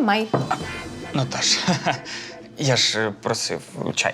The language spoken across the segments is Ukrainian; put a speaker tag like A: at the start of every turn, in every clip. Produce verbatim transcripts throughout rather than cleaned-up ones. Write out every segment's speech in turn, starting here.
A: Тримай.
B: Наташ, я ж просив чай.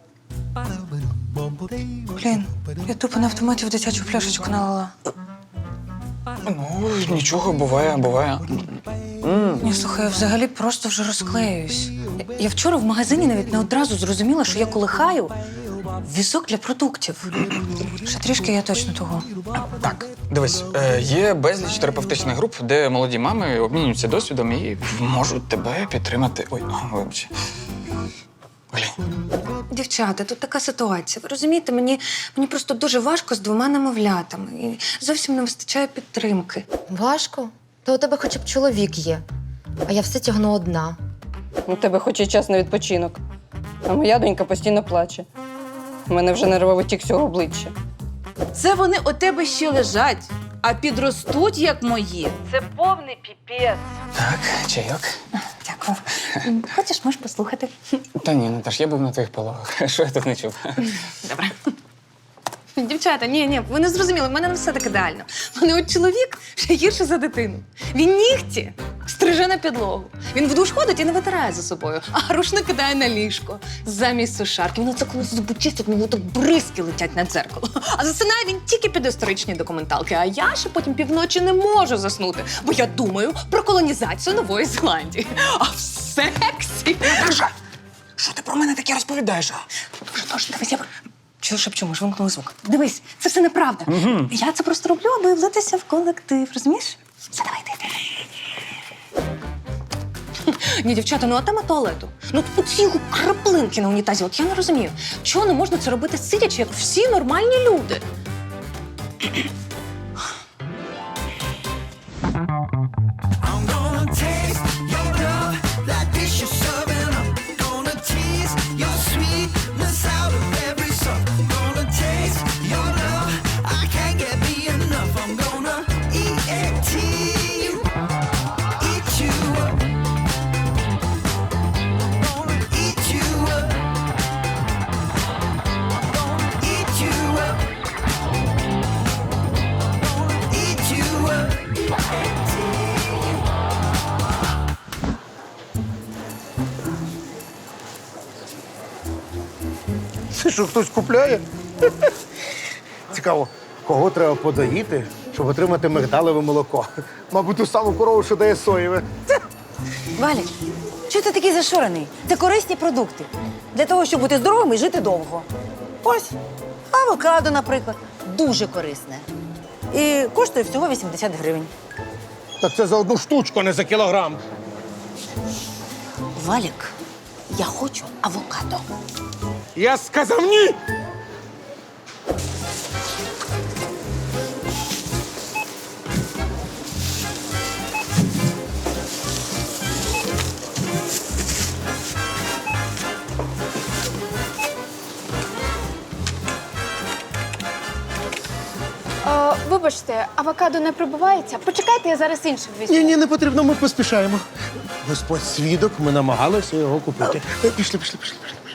A: Блін, я тупо на автоматі в дитячу пляшечку налила.
B: Ну, нічого, буває, буває.
A: Ні, слухай, я взагалі просто вже розклеююсь. Я- Я вчора в магазині навіть не одразу зрозуміла, що я колихаю візок для продуктів. Ще трішки я точно того.
B: Так, дивись, е, є безліч терапевтичних груп, де молоді мами обмінюються досвідом і можуть тебе підтримати. Ой, о, вибач. Глянь.
A: Дівчата, тут така ситуація. Ви розумієте, мені, мені просто дуже важко з двома немовлятами. І зовсім не вистачає підтримки.
C: Важко? Та у тебе хоча б чоловік є. А я все тягну одна.
D: У тебе хоч і час на відпочинок. А моя донька постійно плаче. У мене вже нервовий тік всього обличчя.
E: Це вони у тебе ще лежать, а підростуть, як мої. Це повний піпець.
B: Так, чайок.
A: Дякую. Хочеш, можеш послухати?
B: Та ні, Наташ, я був на твоїх пологах. Що я тут не чув?
A: Добре. Дівчата, ні, ні, ви не зрозуміли, в мене не все так ідеально. У мене от чоловік ще гірше за дитину. Він нігті стриже на підлогу. Він в душ ходить і не витирає за собою, а рушник кидає на ліжко замість сушарки. Він оце коли зуби чистить, мені так бризки летять на дзеркало. А засинає він тільки під історичні документалки. А я ще потім півночі не можу заснути, бо я думаю про колонізацію Нової Зеландії. А в сексі...
B: Наташа, що ти про мене таке розповідаєш?
A: Дуже точно, дивись, я... Чого шепчу, може, вимкнули звук. Дивись, це все неправда. Угу. Я це просто роблю, аби влитися в колектив, розумієш? Все, давай, йди. Ні, дівчата, ну а тема туалету. Ну тут цілу краплинки на унітазі. От я не розумію, чого не можна це робити сидячи, як всі нормальні люди?
F: Це що, хтось купляє? Цікаво, кого треба подоїти, щоб отримати мигдалеве молоко? Мабуть, ту саму корову, що дає соєве.
G: Валік, чого ти такий зашурений? Це корисні продукти. Для того, щоб бути здоровим і жити довго. Ось, авокадо, наприклад, дуже корисне. І коштує всього вісімдесят гривень.
F: Так це за одну штучку, а не за кілограм.
G: Валік, я хочу авокадо.
F: Я сказав ні!
H: О, вибачте, авокадо не пробивається. Почекайте, я зараз інше візьму.
F: Ні, ні, не потрібно, ми поспішаємо. Господь свідок, ми намагалися його купити. Е, Пішли, пішли, пішли, пішли. пішли.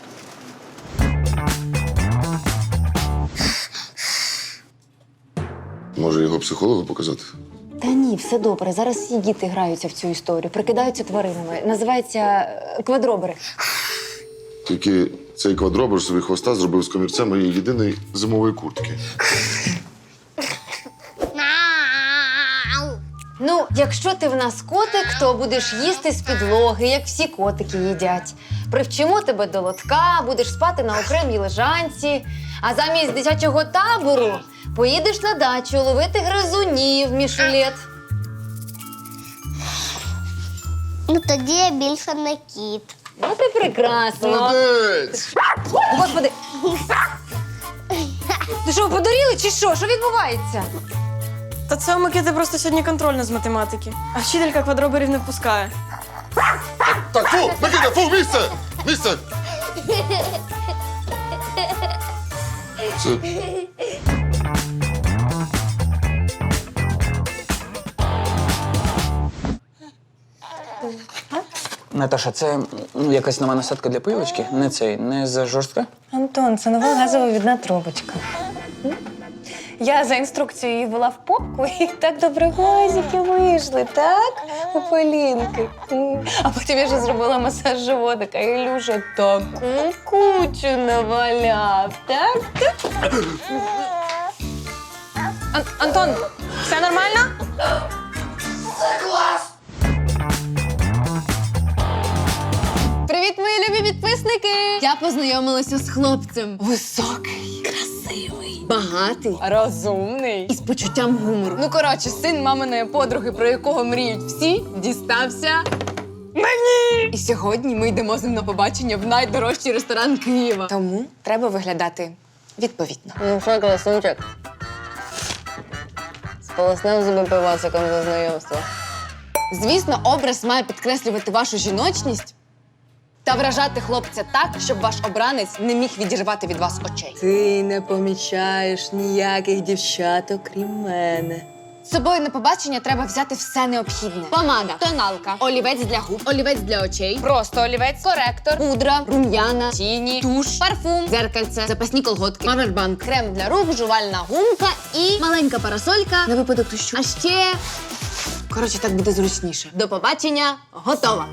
I: Може, його психологу показати?
C: Та ні, все добре. Зараз всі діти граються в цю історію, прикидаються тваринами. Називається е, квадробери.
I: Тільки цей квадробер собі хвоста зробив з комірцем моєї єдиної зимової куртки.
C: Ну, якщо ти в нас котик, то будеш їсти з підлоги, як всі котики їдять. Привчимо тебе до лотка, будеш спати на окремій лежанці. А замість дитячого табору поїдеш на дачу ловити гризунів, Мішулет.
J: Ну, тоді я більше не кіт.
C: Ну, ти прекрасно.
I: Молодець!
C: Господи. Ну що, подуріли чи що? Що відбувається?
D: Та це у Микити просто сьогодні контрольна з математики. А вчителька квадроберів не впускає.
I: Так, фу! Микита, фу, місце! Місце! Це...
B: Наташа, це ну, якась нова насадка для пилочки? Не цей, не за жорстка?
A: Антон, це нова газова відна трубочка. Я за інструкцією її вела в попку, і так добре глазики вийшли, так? У Полінки. М. А потім я ще зробила масаж животика, і Ілюша таку кучу наваляв, так? Ан- Антон, все нормально?
C: Привіт, мої любі підписники! Я познайомилася з хлопцем. Високий, красивий, багатий, розумний і з почуттям гумору. Ну, коротше, син маминої подруги, про якого мріють всі, дістався мені! І сьогодні ми йдемо з ним на побачення в найдорожчий ресторан Києва. Тому треба виглядати відповідно. Ну що, красунчик? Сполоснив зуби пивасиком за знайомство. Звісно, образ має підкреслювати вашу жіночність та вражати хлопця так, щоб ваш обранець не міг відірвати від вас очей.
D: Ти не помічаєш ніяких дівчат, окрім мене.
C: З собою на побачення треба взяти все необхідне. Помада, тоналка, олівець для губ, олівець для очей, просто олівець, коректор, пудра, рум'яна, тіні, туш, парфум, дзеркальце, запасні колготки, павербанк, крем для рук, жувальна гумка і маленька парасолька на випадок дощу. А ще, коротше, так буде зручніше. До побачення, готова.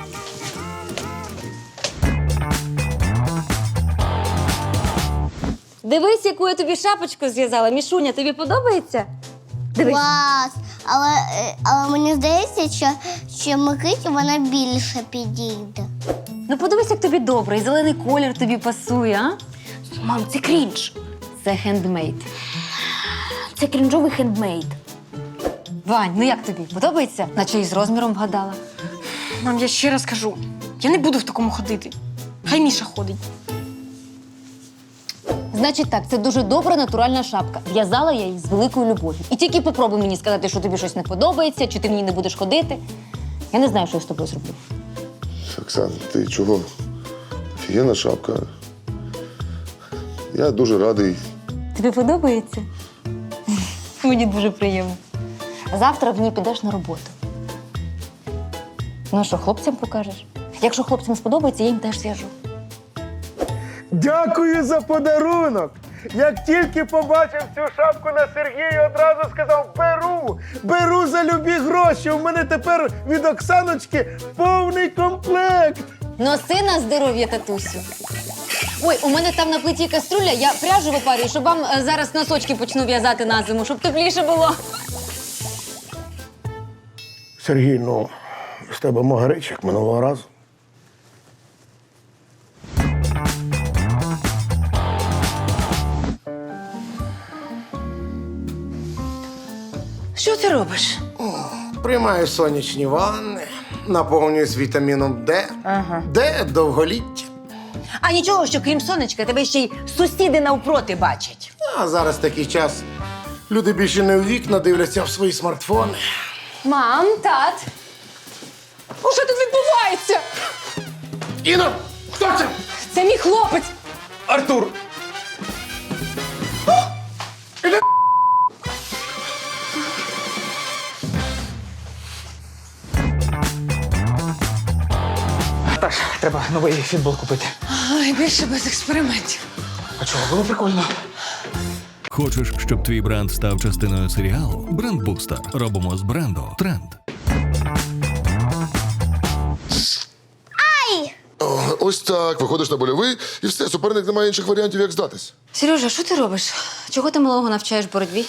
G: Дивись, яку я тобі шапочку зв'язала. Мішуня, тобі подобається? Дивись.
J: Клас! Але, е, але мені здається, що, що Микиті вона більше підійде.
G: Ну подивись, як тобі добре, і зелений колір тобі пасує, а? Мам, це крінж.
C: Це хендмейд.
G: Це крінжовий хендмейд. Вань, ну як тобі? Подобається? Наче і з розміром вгадала.
A: Мам, я ще раз кажу, я не буду в такому ходити. Хай Міша ходить.
C: Значить так, це дуже добра натуральна шапка. В'язала я її з великою любов'ю. І тільки попробуй мені сказати, що тобі щось не подобається, чи ти в ній не будеш ходити. Я не знаю, що я з тобою зроблю.
I: Оксан, ти чого? Офігенна шапка. Я дуже радий.
G: Тобі подобається? Мені дуже приємно. Завтра в ній підеш на роботу. Ну а що, хлопцям покажеш? Якщо хлопцям сподобається, я їм теж зв'яжу.
F: Дякую за подарунок. Як тільки побачив цю шапку на Сергії, одразу сказав: беру, беру за любі гроші. У мене тепер від Оксаночки повний комплект.
C: Носи на здоров'я, татусю. Ой, у мене там на плиті каструля, я пряжу випарюю, щоб вам е, зараз носочки почну в'язати на зиму, щоб тепліше було.
F: Сергій, ну, з тебе могарич, як минулого разу.
A: Що ти робиш?
F: Приймаю сонячні ванни, наповнююсь вітаміном Д.
G: Ага.
F: Д – довголіття.
G: А нічого, що крім сонечка, тебе ще й сусіди навпроти бачать.
F: А зараз такий час. Люди більше не у вікна дивляться в свої смартфони.
C: Мам, тат.
A: Що тут відбувається?
F: Іно, хто це?
A: Це мій хлопець.
B: Артур! Наташ, треба новий фітбол купити.
A: Ой, більше без експериментів.
B: А чого, було прикольно.
K: Хочеш, щоб твій бренд став частиною серіалу? Бренд-бустер. Робимо з бренду тренд.
I: О, ось так, виходиш на больовий, і все, суперник не має інших варіантів, як здатись.
C: Сережа, що ти робиш? Чого ти малого навчаєш боротьбі?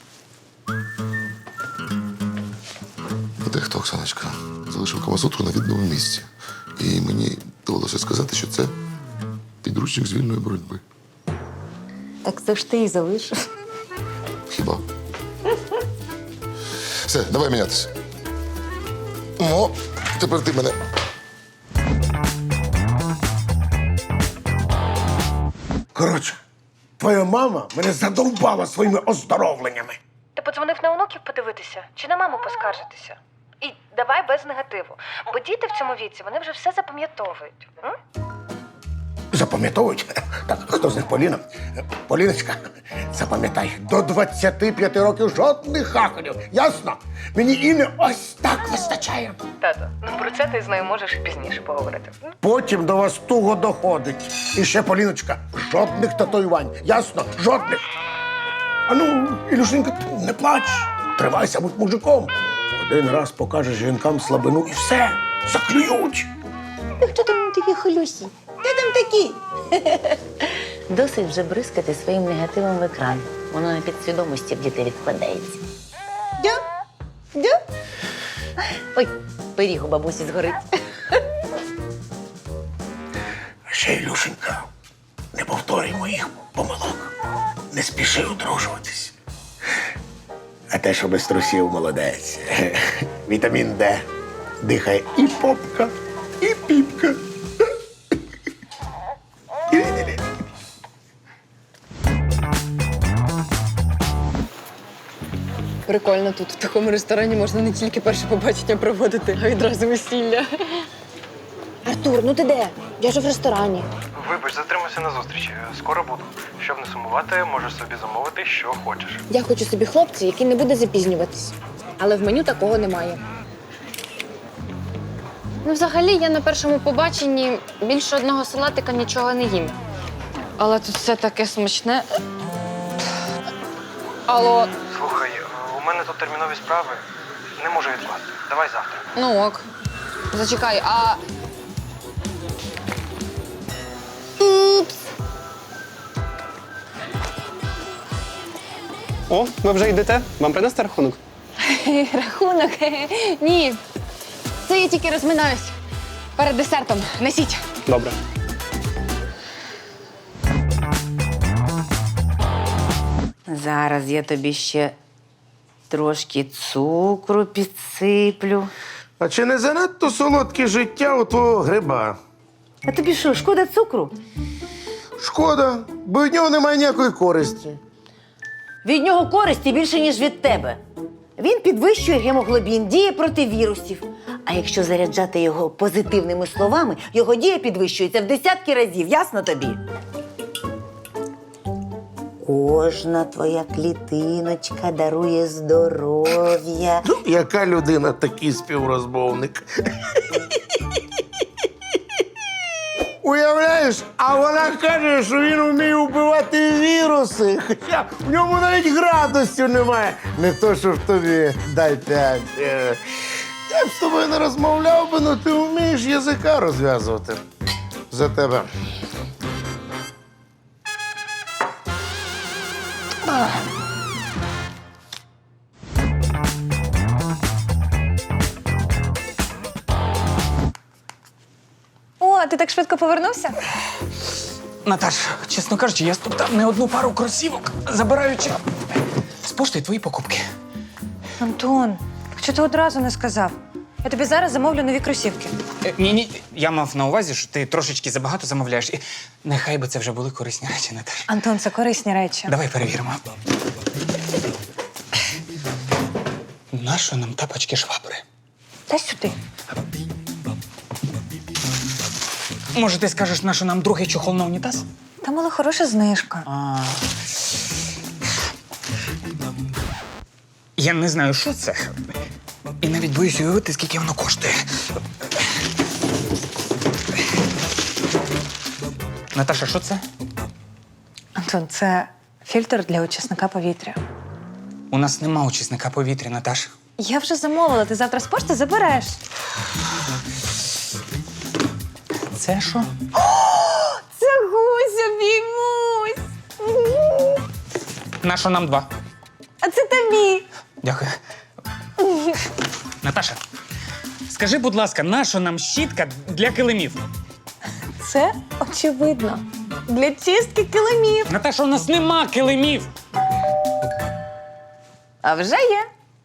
I: А де хто, Оксаночка? Залишив Камасутру на відному місці. І мені довелося сказати, що це підручник з вільної боротьби.
G: Так це ж ти і залишив.
I: Хіба? Все, давай мінятися. О, тепер ти мене.
F: Коротше, твоя мама мене задовбала своїми оздоровленнями.
A: Ти подзвонив на онуків подивитися чи на маму поскаржитися? І давай без негативу. Бо діти в цьому віці, вони вже все запам'ятовують. М?
F: Запам'ятовують? Так, хто з них Поліна? Поліночка, запам'ятай, до двадцяти п'яти років жодних хахалів. Ясно? Мені Іни ось так вистачає.
A: Тато, ну про це ти з нею можеш і пізніше поговорити. М?
F: Потім до вас туго доходить. І ще, Поліночка, жодних татуювань. Ясно? Жодних. А ну, Ілюшенька, ти не плач. Тримайся, будь мужиком. Один раз покажеш жінкам слабину і все, заклюють.
G: Хто там такі холюсі? Хто там такі? Досить вже бризкати своїм негативом в екран. Воно на підсвідомості в дітей відкладається. Дю? Дю? Ой, пиріг у бабусі згорить.
F: А ще, Ілюшенька, не повторюй моїх помилок. Не спіши одружуватись. А те, що без трусів, молодець. Вітамін Д. Дихає і попка, і піпка.
D: Прикольно тут. В такому ресторані можна не тільки перше побачення проводити, а відразу весілля.
C: Артур, ну ти де? Я ж в ресторані.
L: Вибач, затримався на зустрічі. Скоро буду. Щоб не сумувати, можеш собі замовити, що хочеш.
C: Я хочу собі хлопця, який не буде запізнюватись. Але в меню такого немає. Ну, взагалі, я на першому побаченні більше одного салатика нічого не їм.
D: Але тут все таке смачне. Алло,
L: Слухай, у мене тут термінові справи. Не можу відкласти. Давай завтра.
D: ну ок. Зачекай, а
L: О, ви вже йдете? Вам принести рахунок?
C: Рахунок? Ні. Це я тільки розминаюсь. Перед десертом. Несіть.
L: Добре.
G: Зараз я тобі ще трошки цукру підсиплю.
F: А чи не занадто солодке життя у твого гриба?
G: А тобі що, шкода цукру?
F: Шкода, бо від нього немає ніякої користі.
G: Від нього користі більше, ніж від тебе. Він підвищує гемоглобін, діє проти вірусів. А якщо заряджати його позитивними словами, його дія підвищується в десятки разів. Ясно тобі? Кожна твоя клітиночка дарує здоров'я.
F: Ну, яка людина, такий співрозмовник. Уявляєш, а вона каже, що він вміє вбивати віруси. Хоча в ньому навіть градусів немає. Не то, що в тобі. Дай п'ять. Е, Я б з тобою не розмовляв би, але ти вмієш язика розв'язувати. За тебе.
A: О, ти так швидко повернувся?
B: Наташ, чесно кажучи, я стоптав не одну пару кросівок, забираючи з пошти твої покупки.
A: Антон, що ти одразу не сказав? Я тобі зараз замовлю нові кросівки.
B: Е, ні, ні, я мав на увазі, що ти трошечки забагато замовляєш. І нехай би це вже були корисні речі, Наташ.
A: Антон, це корисні речі.
B: Давай перевіримо. Нащо нам тапочки швабри?
A: Дай сюди.
B: Може, ти скажеш, нащо нам другий чохол на унітаз?
A: Там була хороша знижка.
B: А... Я не знаю, що це. І навіть боюсь уявити, скільки воно коштує. Наташа, що це?
A: Антон, це фільтр для очисника повітря.
B: У нас нема очисника повітря, Наташ.
A: Я вже замовила, ти завтра з пошти забереш.
B: Це що?
A: Це гусь, обіймусь.
B: Нащо нам два?
A: А це тобі.
B: Дякую. Наташа, скажи, будь ласка, нащо нам щітка для килимів?
A: Це очевидно. Для чистки килимів.
B: Наташа, у нас нема килимів.
A: А вже є.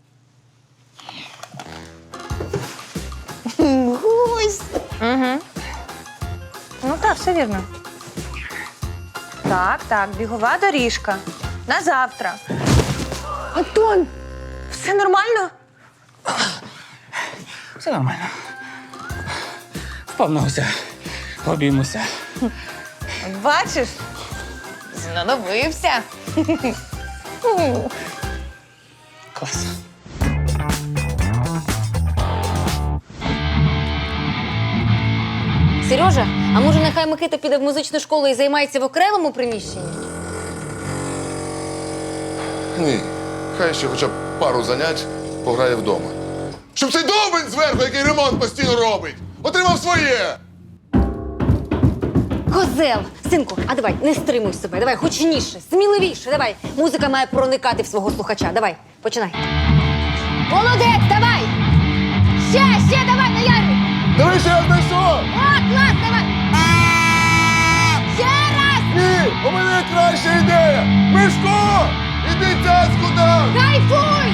A: Гусь. Угу. Ну так, все вірно. Так, так, бігова доріжка. На завтра. Антон, все нормально?
B: Все нормально. Вповнуся, обіймуся.
A: Бачиш? Знадобився.
B: Клас.
C: Сережа, а може нехай Микита піде в музичну школу і займається в окремому приміщенні?
I: Ні. Хай ще хоча б пару занять пограє вдома. Щоб цей довбень зверху, який ремонт постійно робить, отримав своє!
C: Козел! Синку, а давай, не стримуй себе, давай, гучніше, сміливіше, давай. Музика має проникати в свого слухача. Давай, починай. Молодець, давай! Ще, ще, давай, наярюй!
F: Давай ще раз на що?
C: О, клас, давай! Ще раз!
F: Ні, у мене краща ідея! Мишко! Іди цяцьку дам!
C: Кайфуй!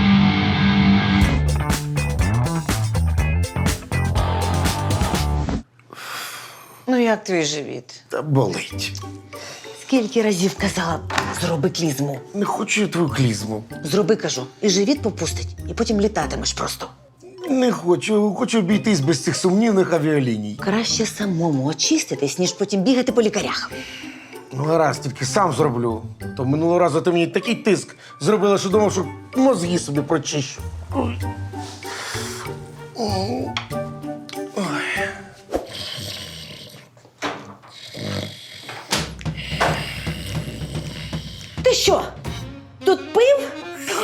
G: Ну як твій живіт?
F: Та болить.
G: Скільки разів казала, зроби клізму.
F: Не хочу я твою клізму.
G: Зроби, кажу, і живіт попустить, і потім літатимеш просто.
F: Не хочу, хочу обійтись без цих сумнівних авіаліній.
G: Краще самому очиститись, ніж потім бігати по лікарях.
F: Ну, гаразд, тільки сам зроблю. То минулого разу ти мені такий тиск зробила, що думав, що мозги собі прочищу. Ой. Ой.
G: Ти що? Тут пив?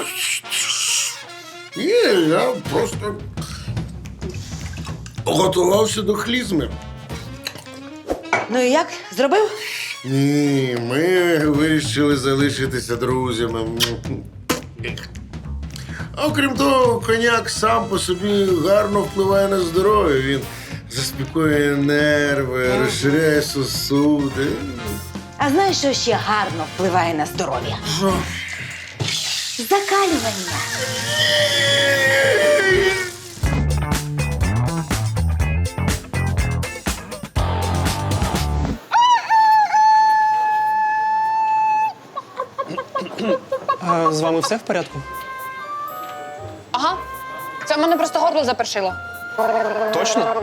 F: Ні, я просто готувався до клізми.
G: Ну і як? Зробив?
F: Ні, ми вирішили залишитися друзями. А окрім того, коньяк сам по собі гарно впливає на здоров'я. Він заспокоює нерви, розширяє сосуди.
G: А знаєш, що ще гарно впливає на здоров'я?
F: Що?
G: Закалювання.
L: А з вами все в порядку?
D: Ага. Це в мене просто горло запершило.
L: Точно?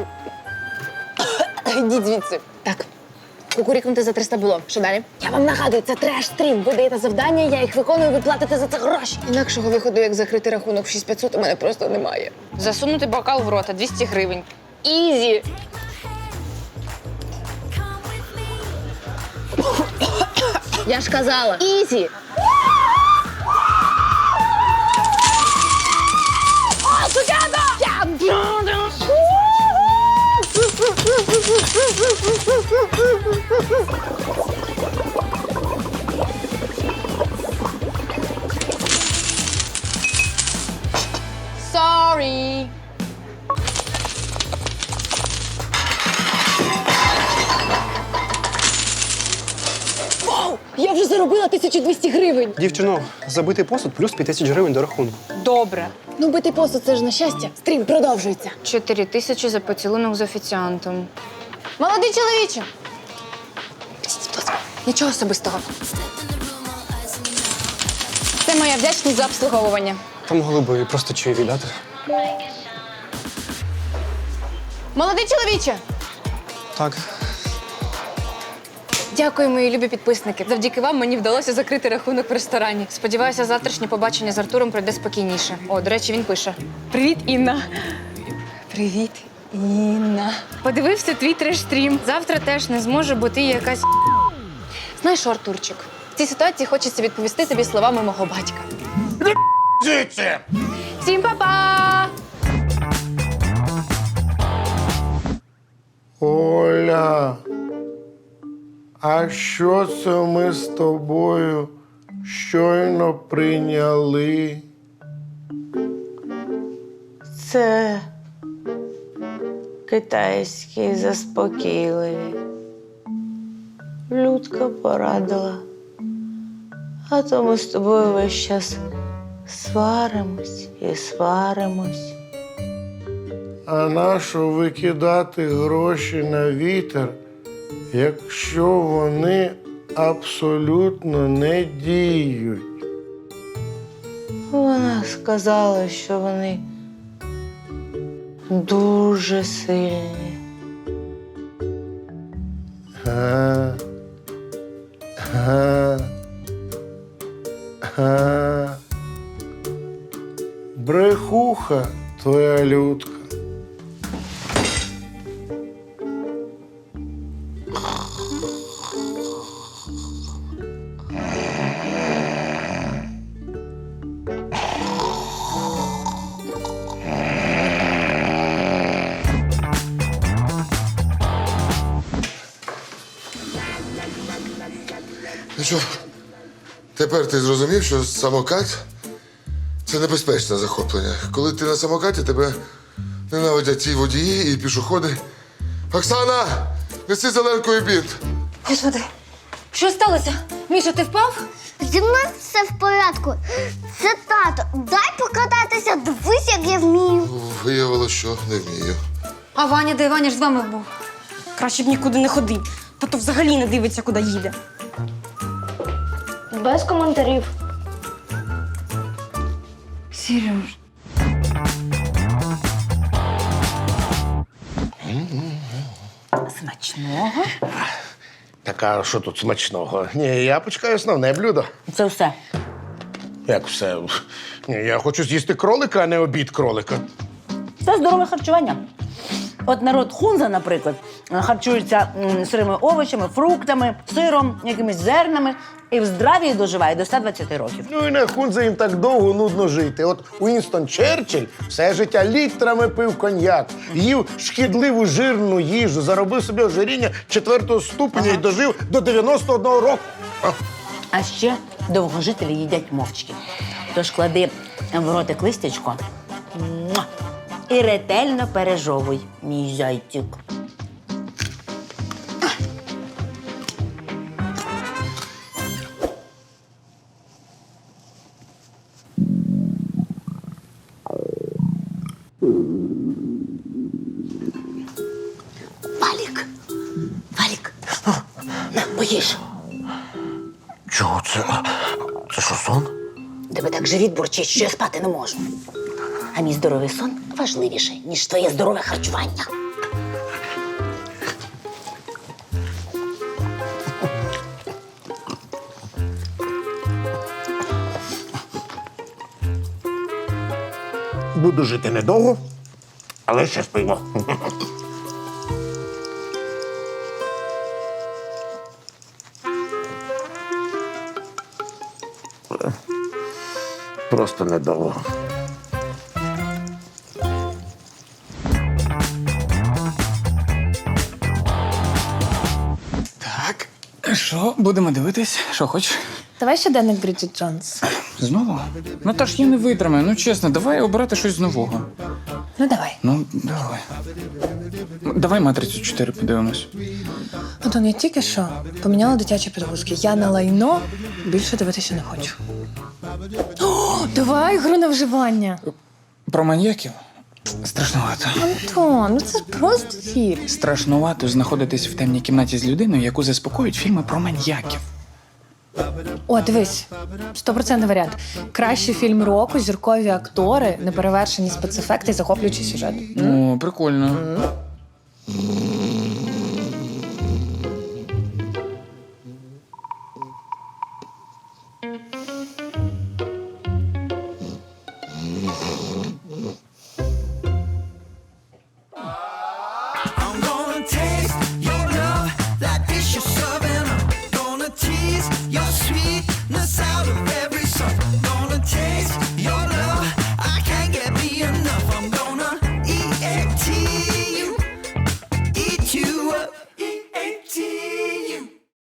H: Йдіть звідси. Так. Кукурікнути за триста було. Що далі? Я вам нагадую, це треш-стрім. Ви даєте завдання, я їх виконую, ви платите за це гроші. Інакшого виходу, як закрити рахунок в шість п'ятсот, у мене просто немає.
D: Засунути бокал в рота двісті гривень. Ізі!
H: Я ж казала. Ізі!
D: Sorry!
H: Вау! Я вже заробила тисячу двісті гривень.
L: Дівчино, забитий посуд плюс п'ять тисяч гривень до рахунку.
D: Добре.
H: Ну, битий посуд – це ж на щастя. Стрім продовжується.
D: Чотири тисячі за поцілунок з офіціантом.
H: Молодий чоловіче!
D: Нічого особистого. Це моя вдячність за обслуговування.
L: Та могли б просто чаєві дати.
H: Молодий чоловіче!
L: Так.
D: Дякую, мої любі підписники. Завдяки вам мені вдалося закрити рахунок в ресторані. Сподіваюся, завтрашнє побачення з Артуром пройде спокійніше. О, до речі, він пише: Привіт, Інна. Привіт, Інна. Подивився твій треш-стрім. Завтра теж не зможе, бо ти якась. Знаєш що, Артурчик, в цій ситуації хочеться відповісти тобі словами мого батька.
F: Звідси!
D: Всім па-па!
F: Оля, а що це ми з тобою щойно прийняли?
M: Це китайські заспокійливі. Людка порадила. А то ми з тобою весь час сваримось і сваримось.
F: А нащо викидати гроші на вітер, якщо вони абсолютно не діють?
M: Вона сказала, що вони дуже сильні.
F: Га. Га. Га. Брехуха твоя Людка.
I: Ну що, тепер ти зрозумів, що самокат це небезпечне захоплення. Коли ти на самокаті, тебе ненавидять і водії, і пішоходи. Оксана, неси зеленкою бінт.
C: Господи, що сталося? Міша, ти впав?
J: Зі мною все в порядку. Це тато. Дай покататися, дивись, як я вмію.
I: Виявилося, що не вмію.
C: А Ваня де? Ваня ж з вами був.
D: Краще б нікуди не ходив. Тато взагалі не дивиться, куди їде.
H: Без коментарів.
C: Сереж.
G: Смачного.
F: Так, а що тут смачного? Ні, я почекаю основне блюдо.
G: Це все.
F: Як все? Ні, я хочу з'їсти кролика, а не обід кролика.
G: Це здорове харчування. От народ Хунза, наприклад, харчується м, сирими овочами, фруктами, сиром, якимись зернами і в здравії доживає до ста двадцяти років.
F: Ну і на Хунзе їм так довго нудно жити. От Уінстон Черчилль все життя літрами пив коньяк, їв шкідливу жирну їжу, заробив собі ожиріння четвертого ступеня і дожив до дев'яносто одного року. А,
G: А ще довгожителі їдять мовчки. Тож клади в ротик листячко муа, і ретельно пережовуй, мій зайчик. Валік, Валік, на, поїж.
F: чого це? Це що, сон?
G: Тебе так живіт бурчить, що я спати не можу. А мій здоровий сон важливіший, ніж твоє здорове харчування.
F: Буду жити недовго, але ще спимо. Просто недовго.
B: Так, що, будемо дивитись? Що хочеш?
D: Давай щоденник Бріджит Джонс.
B: Знову? Ну та ж я не витримаю, ну чесно, давай обирати щось нового.
D: Ну давай.
B: Ну, давай. Ну, Давай матрицю чотири подивимось.
D: Антон, я тільки що поміняла дитячі підгузки. Я на лайно більше дивитися не хочу. О, давай гру на вживання.
B: Про маньяків? Страшнувато.
D: Антон, ну це ж просто фільм.
B: Страшнувато знаходитись в темній кімнаті з людиною, яку заспокоюють фільми про маньяків.
D: О, дивись, стопроцентний варіант. Кращий фільм року, зіркові актори, неперевершені спецефекти і захоплюючий сюжет.
B: О, прикольно.